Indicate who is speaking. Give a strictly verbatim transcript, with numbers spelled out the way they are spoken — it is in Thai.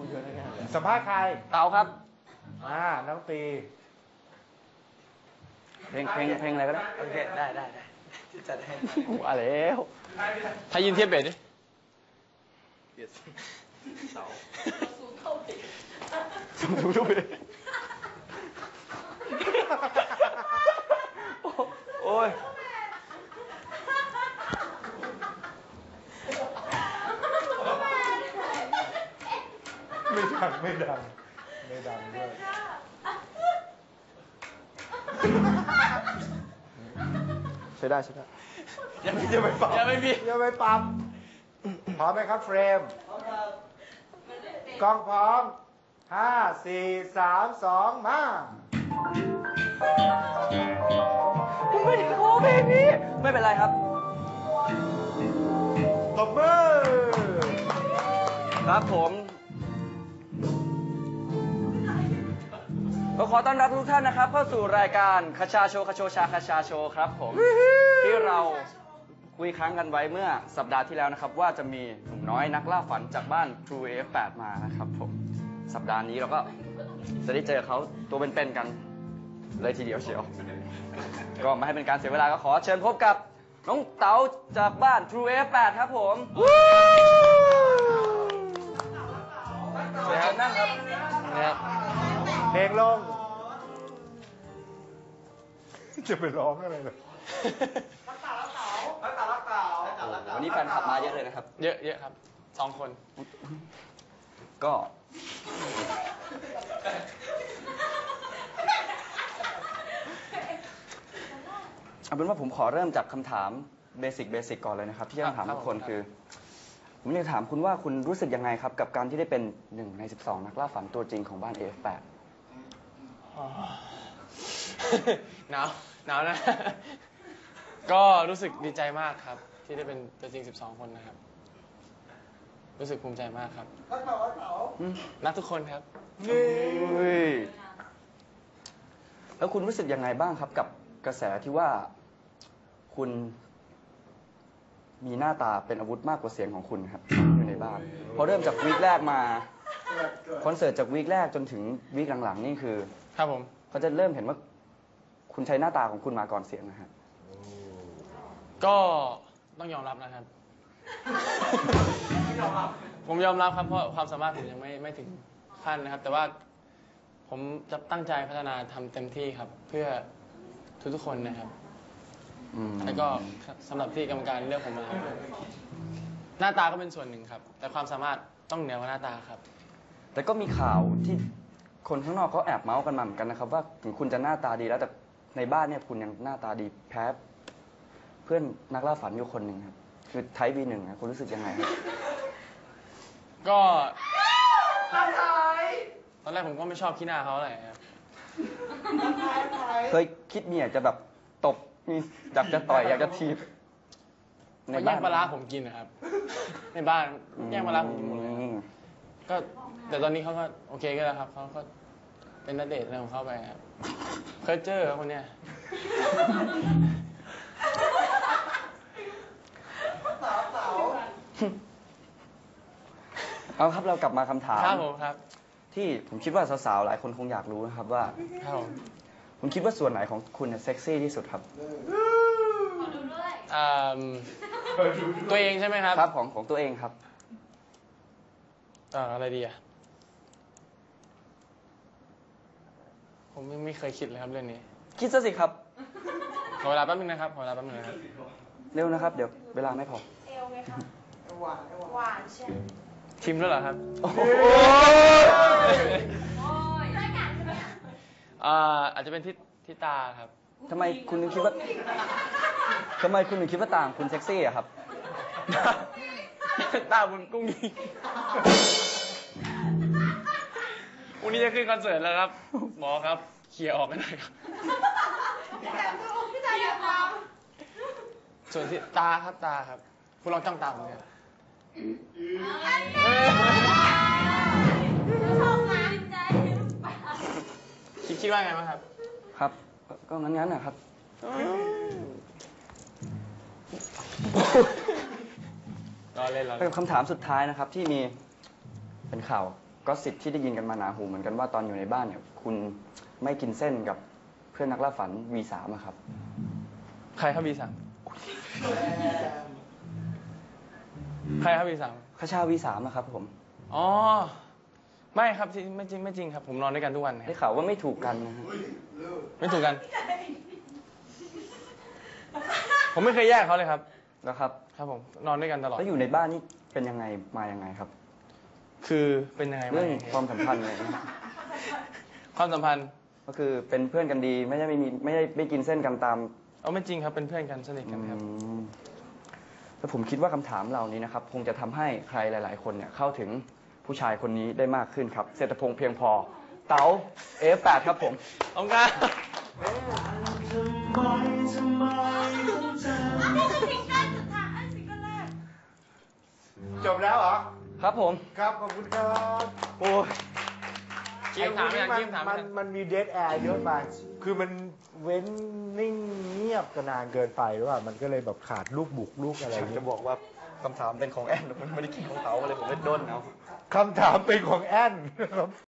Speaker 1: สัมภาษณ์ใคร
Speaker 2: เต๋าครับ
Speaker 1: อ่าน้องตี
Speaker 2: เพลงเพลงเพลงอะไรก็ได้
Speaker 3: โอเคได้ได้ได้จัดให้
Speaker 2: ว่าแล้ว
Speaker 3: ถ้ายินเทียบเบสดิเบสเสา
Speaker 2: สูงเท่าเบสสูงเท่าเบสโอ้ย
Speaker 1: ไม่ดังไม่ดังไม่ดังด้วย
Speaker 2: ใช้ได้ใช้ได้
Speaker 1: ยังไม่จะไปปั๊ม
Speaker 3: ยังไม่มี
Speaker 1: ยังไม่ปั๊มพร้อมไหมครับเฟรมพร้อมครับกล้องพร้อมห้าสี่สามสองมา
Speaker 2: ไม่ได้ขอเพลงนี้ไม่เป็นไรครับ
Speaker 1: ตบมือ
Speaker 2: ครับผมก็ขอต้อนรับทุกท่านนะครับเข้าสู่รายการคชาโชคชโชชาคชาโชครับผมที่เราคุยค้างกันไว้เมื่อสัปดาห์ที่แล้วนะครับว่าจะมีหนุ่มน้อยนักล่าฝันจากบ้าน True เอ เอฟ แปด มานะครับผมสัปดาห์นี้เราก็จะได้เจอเขาตัวเป็นๆกันเลยทีเดียวเชียวก็ไม่ให้เป็นการเสียเวลาก็ขอเชิญพบกับน้องเต๋าจากบ้าน True เอ เอฟ แปด ครับผมเชิญนั่งครับนะครับ
Speaker 1: เพลงลงจะไปร้องอะไรเลย
Speaker 3: รักเต่ารักเต่ารักเต่ารักเต่า
Speaker 2: วันนี้แฟนคลับมาเยอะเลยนะครับ
Speaker 3: เยอะเยอะครับสองคน
Speaker 2: ก็เอาเป็นว่าผมขอเริ่มจากคำถามเบสิกเบสิกก่อนเลยนะครับที่จะถามทุกคนคือผมอยากถามคุณว่าคุณรู้สึกยังไงครับกับการที่ได้เป็นหนึ่งในสิบสองนักล่าฝันตัวจริงของบ้าน เอ เอฟ แปด
Speaker 3: หนาวหนาวนะ ก็รู้สึกดีใจมากครับที่ได้เป็นตัวจริงสิบสองคนนะครับรู้สึกภูมิใจมากครับรักเต่ารักเต่ารักทุกคนครับ
Speaker 2: แล้วคุณรู้สึกยังไงบ้างครับกับกระแสที่ว่าคุณมีหน้าตาเป็นอาวุธมากกว่าเสียงของคุณครับอยู่ในบ้านพอเริ่มจากวีคแรกมาคอนเสิร์ตจากวีคแรกจนถึงวีคหลังๆนี่คือ
Speaker 3: ครับผม
Speaker 2: เขาจะเริ่มเห็นว่าคุณใช้หน้าตาของคุณมาก่อนเสียงนะฮะ
Speaker 3: ก็ต้องยอมรับนะครับ ผมยอมรับครับเพราะความสามารถผมยังไม่ไม่ถึงขั้นนะครับแต่ว่าผมจะตั้งใจพัฒนาทำเต็มที่ครับเพื่อทุกๆคนนะครับแล้วก็สำหรับที่กรรมการเลือกผมมาหน้าตาก็เป็นส่วนหนึ่งครับแต่ความสามารถต้องเหนือกว่าหน้าตาครับ
Speaker 2: แต่ก็มีข่าวที่คนข้างนอกเขาแอบเมาส์กันมาเหมือนกันนะครับว่าถึงคุณจะหน้าตาดีแล้วแต่ในบ้านเนี่ยคุณยังหน้าตาดีแพ้เพื่อนนักล่าฝันอยู่คนหนึ่งครับคือไทป์ บี หนึ่งนะคุณรู้สึกยังไงครับ
Speaker 3: ก็ตอนแรกผมก็ไม่ชอบขี้หน้าเขาอะไรครับ
Speaker 2: เคยคิดมีอยากจะแบบตบมีอยากจะต่อยอยากจะทีบ
Speaker 3: ในบ้านแย่งปลาร้าผมกินนะครับในบ้านแย่งปลาร้าผมกินหมดเลยก็แต่ตอนนี้เขาก็โอเคก็แล้วครับเขาก็เป็นนักเดทอะไรของเขาไปครับเคยเจอคนเนี้ย
Speaker 2: เอาครับเรากลับมาคำถาม
Speaker 3: ครับผมครับ
Speaker 2: ที่ผมคิดว่าสาวๆหลายคนคงอยากรู้นะครับว่า
Speaker 3: ครับผม
Speaker 2: คุณคิดว่าส่วนไหนของคุณเซ็กซี่ที่สุดครับ
Speaker 3: ตัวเองใช่ไหมครับ
Speaker 2: ครับของของตัวเองครับ
Speaker 3: อ่าอะไรดีอ่ะผมไม่เคยคิดเลยครับเรื่องนี้
Speaker 2: คิดซะสิครับ
Speaker 3: ขอเวลาแป๊บนึงนะครับขอเวลาแป๊บนึงนะครับ
Speaker 2: เร็วนะครับเดี๋ยวเวลาไม่พอ
Speaker 4: เอวไงคะหวานหวานใช่
Speaker 3: ชิมแล้วเหรอครับ
Speaker 2: โอ้
Speaker 4: ยรายการใช่ไหม
Speaker 3: อ่าอาจจะเป็นที่ที่ตาครับ
Speaker 2: ทำไมคุณถึงคิดว่าทำไมคุณถึงคิดว่าต่างคุณเซ็กซี่อะครับ
Speaker 3: ตาคุณกุ้งยิงวันนี้จะขึ้นคอนเสิร์ตแล้วครับหมอครับเคลียร์ออกกันหน่อยครับส่วนที่ตาครับตาครับคุณลองจ้องตาผมเนี่ยคิดคิดว่าไงบ้างครับ
Speaker 2: ครับก็งั้นงั้นนะครับ
Speaker 3: รอเล่นรอเล่น
Speaker 2: เป็นคำถามสุดท้ายนะครับที่มีเป็นข่าวก็สิทธิ์ที่ได้ยินกันมาหนาหูเหมือนกันว่าตอนอยู่ในบ้านเนี่ยคุณไม่กินเส้นกับเพื่อนนักล่าฝัน วี สาม อะครับ
Speaker 3: ใครครับ วี สาม ใครครับ วี สาม
Speaker 2: คชา วี สาม อะครับผม
Speaker 3: อ๋อ ไม่ครับที่ไม่จริงไม่จริงครับ ผมนอนด้วยกันทุกวันค
Speaker 2: ได้
Speaker 3: รับ
Speaker 2: ข่าวว่าไม่ถูกกันนะฮะ
Speaker 3: ไม่ถูกกัน ผมไม่เคยแยกเขาเลยครับ
Speaker 2: แล้วครับ
Speaker 3: ครับผม นอนด้วยกันตลอด
Speaker 2: แล้วอยู่ในบ้านนี่เป็นยังไงมายังไงครับ
Speaker 3: คือเป็นยังไง
Speaker 2: เรื่อง
Speaker 3: บ้าง
Speaker 2: ความสัมพันธ์อะไรนะ
Speaker 3: ความสัมพันธ์
Speaker 2: ก็คือเป็นเพื่อนกันดี ไม่ได้ไม่มีไม่ได้ไม่กินเส้นกันตาม
Speaker 3: เอาไม่จริงครับ เป็นเพื่อนกันสนิทกันครับ
Speaker 2: อืมแล้วผมคิดว่าคำถามเหล่านี้นะครับ คงจะทำให้ใครหลาย ๆ คนเนี่ยเข้าถึงผู้ชายคนนี้ได้มากขึ้นครับ เศรษฐพงษ์เพียงพอ เต๋า เอฟ แปด ครับผม
Speaker 3: เอางาน
Speaker 4: อันนี้คือซิงเกิลสุดท้ายซิงเกิลแรก
Speaker 1: จบแล้วเหรอ
Speaker 2: ครับผม
Speaker 1: ครับ ขอบคุณครับ
Speaker 2: โอ้ย
Speaker 3: กี้มถามไม่ทัน
Speaker 1: ไอ้
Speaker 3: กี้มถาม
Speaker 1: มั
Speaker 3: ไม่
Speaker 1: น
Speaker 3: ทัน
Speaker 1: มันมีเดทแอร์เยอะไปคือมันเว้นนิ่งเงียบกันนานเกินไปหรือว่ามันก็เลยแบบขาดลูกบุกลูกอะไรอย่าง
Speaker 2: จะ
Speaker 1: เงี้ย
Speaker 2: บอกว่าคำถามเป็นของแอนมันไม่ได้คิดของเขาเลยผมเลยด้นเอา
Speaker 1: คำถามเป็นของแอนนะครับ